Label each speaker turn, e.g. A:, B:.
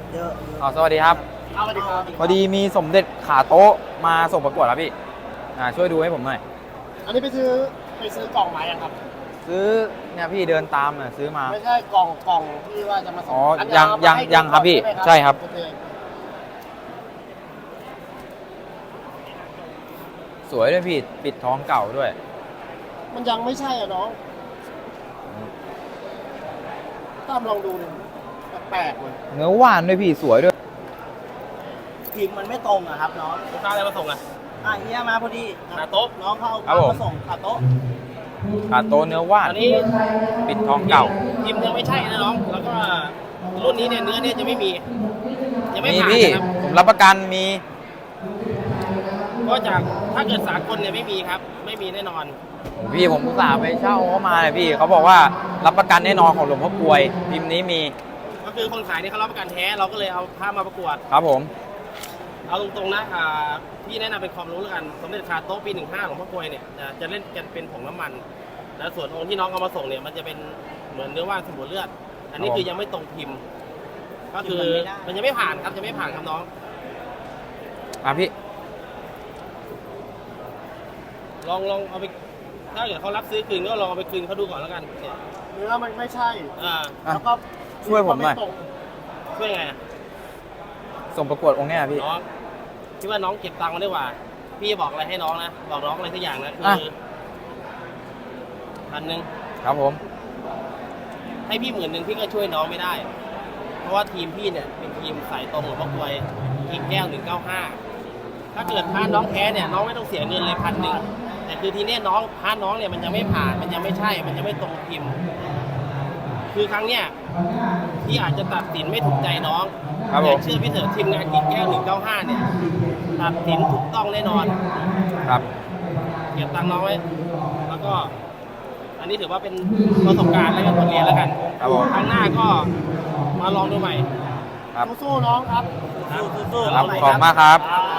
A: เยอะ
B: สวัสดีครับ
A: สวัสดีครับ
B: พอดีมีสมเด็จขาโต๊ะมาส่งประกวดครับพี่ช่วยดูให้ผมหน่อย
A: อันนี้ไปซื้อกล่องมายังครับ
B: ซื้อเนี่ยพี่เดินตามซื้อมา
A: ไม่ใช่กล่องที่ว่าจะมาส่ง
B: อ๋อ
A: อัน
B: ยัง
A: เอามา
B: ยัง
A: ให้
B: ยังครับพี่
A: ใช่ไหม
B: ใช่ครับ
A: โอเค
B: สวยด้วยพี่ปิดท้องเก่าด้วย
A: มันยังไม่ใช่อ่ะน้องตามลองดูดิแปลกๆเลย
B: เนื้อหวานด้วยพี่สวยด้วย
A: พิมพ์มันไม่ตรงอะครับน้อง
C: ลูกค้าอะไรมาส่งอ่ะ
A: เฮียมาพอดี
C: ขาโต๊ะ
A: น้องเขา
B: ครับ
A: เอา
B: ผม
A: มาส่งขาโต๊ะ
B: ขาโต๊ะเนื้อหวาน
C: อันนี้
B: ปิดท้องเก่า
C: พิมพ์ยังไม่ใช่นะน้อง แล้วก็รุ่นนี้เนี่ยเนื้อเนี่ยจะไม่มี ยังไม่
B: มี
C: ผ่าน
B: พี่
C: นะครับ
B: ผมรับประกันมี
C: ก็จากถ้าเกิดสากลเนี่ยไม่มีครับ ไม่มีแน่นอน
B: พี่ผมอุตส่าห์ไปเช่าเขามาเลยพี่เขาบอกว่ารับประกันแน่นอนของหลวงพ่อกลวยพิมพ์นี้มี
C: ก็คือคนขายเนี่ยเขารับประกันแท้เราก็เลยเอาผ้ามาประกวด
B: ครับผม
C: เอาตรงๆนะพี่แนะนำเป็นความรู้แล้วกันสมเด็จคาโต๊ะปี 15ของพ่อกลวยเนี่ยจะเล่นกันเป็นผงน้ำมัน แล้วส่วนองค์ที่น้องเอามาส่งเนี่ยมันจะเป็นเหมือนเนื้อว่านสมุนเลือด อันนี้คือยังไม่ตรงพิมพ์ ก็คือมันยังไม่ผ่านครับยังไม่ผ่านครับน้อง
B: พี่
C: ลองเอาไปถ้าเกิดเขารับซื้อคืนก็ลองเอาไปคืนเขาดูก่อนแล้วกันเนี่ย
A: เนื้อมันไม่ใช่ แล้วก็
B: ช่วยผมหน่อย
A: ไตรง
C: ช่วยไงอะ
B: ส่งประกวดองค์เนี้ยพี่
C: น้องคิดว่าน้องเก็บตังค์มาได้กว่า พี่จะบอกอะไรให้น้องนะบอกน้องอะไรทุกอย่างนะคือ 1,000
B: ครับผม
C: ให้พี่10,000พี่ก็ช่วยน้องไม่ได้ เพราะว่าทีมพี่เนี่ยเป็นทีมสายตรงหลวงพ่อกลวยกิ่งแก้ว195ถ้าเกิดพาน้องแพ้เนี่ยน้องไม่ต้องเสียเงินเลย1,000แต่คือทีเนี้ยน้องพาน้องเนี่ยมันยังไม่ผ่านมันยังไม่ใช่มันยังไม่ตรงพิมพ์ คือครั้งเนี้ยพี่อาจจะตัดสินไม่ถูกใจน้อง
B: ครับผม
C: แต่เชื่อพี่เถอะทีมงานกิ่งแก้ว195เนี่ยตัดสินถูกต้องแน่นอน
B: ครับ
C: เก็บตังค์น้องไว้แล้วก็ อันนี้ถือว่าเป็นประสบการณ์แล้วก็บทเรียนแล้วกัน
B: ครับผม
C: ครั้งหน้าก็มาลองดูใหม่
B: ครับ
A: สู้ๆน้องครับ
C: ครับ
A: สู้ๆ
B: ครับ
A: ใหม่
B: ขอบคุณมากครับ
A: ครับ